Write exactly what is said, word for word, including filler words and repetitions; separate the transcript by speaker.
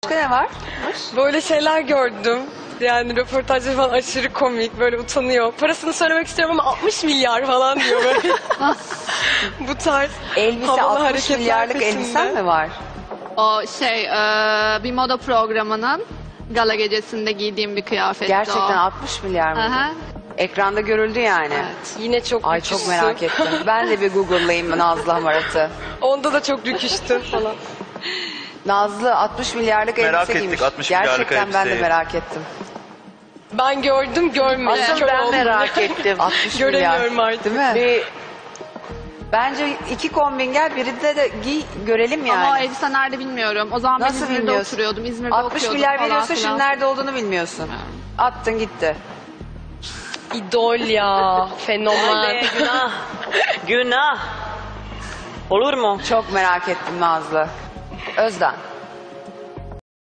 Speaker 1: Başka ne var?
Speaker 2: Böyle şeyler gördüm. Yani röportajları falan aşırı komik. Böyle utanıyor. Parasını söylemek istiyorum ama altmış milyar falan diyor böyle. Bu tarz
Speaker 1: Elbise
Speaker 2: havalı
Speaker 1: altmış
Speaker 2: hareketler
Speaker 1: milyarlık
Speaker 2: peşinde.
Speaker 1: elbisen mi var?
Speaker 3: O şey e, bir moda programının gala gecesinde giydiğim bir kıyafetti
Speaker 1: Gerçekten
Speaker 3: o.
Speaker 1: altmış milyar mı?
Speaker 3: Aha.
Speaker 1: Ekranda görüldü yani.
Speaker 3: Evet.
Speaker 2: Yine çok
Speaker 1: Ay
Speaker 2: rüküşsün.
Speaker 1: çok merak ettim. Ben de bir Google'layayım Nazlı Hamarat'ı.
Speaker 2: Onda da çok rüküştün falan.
Speaker 1: Nazlı altmış milyarlık
Speaker 4: Merak
Speaker 1: elbise
Speaker 4: ettik,
Speaker 1: giymiş.
Speaker 4: altmış milyarlık
Speaker 1: Gerçekten ben de
Speaker 4: elbiseyi.
Speaker 1: merak ettim.
Speaker 2: Ben gördüm görmedim.
Speaker 5: Asıl
Speaker 2: Kör
Speaker 5: ben
Speaker 2: oldum.
Speaker 5: merak ettim.
Speaker 1: altmış milyar.
Speaker 2: Göremiyorum artık.
Speaker 1: Değil mi?
Speaker 5: Bir
Speaker 1: Bence iki kombin gel birinde de giy görelim yani.
Speaker 3: Ama o elbise nerede bilmiyorum. O zaman ben
Speaker 1: Nasıl
Speaker 3: İzmir'de
Speaker 1: bilmiyorsun?
Speaker 3: oturuyordum. İzmir'de
Speaker 1: altmış
Speaker 3: okuyordum
Speaker 1: milyar
Speaker 3: falan
Speaker 1: veriyorsa
Speaker 3: filan.
Speaker 1: şimdi nerede olduğunu bilmiyorsun. Attın gitti.
Speaker 2: İdol ya. Fenomen.
Speaker 5: Anne, günah. Günah. Olur mu?
Speaker 1: Çok merak ettim Nazlı. Özden.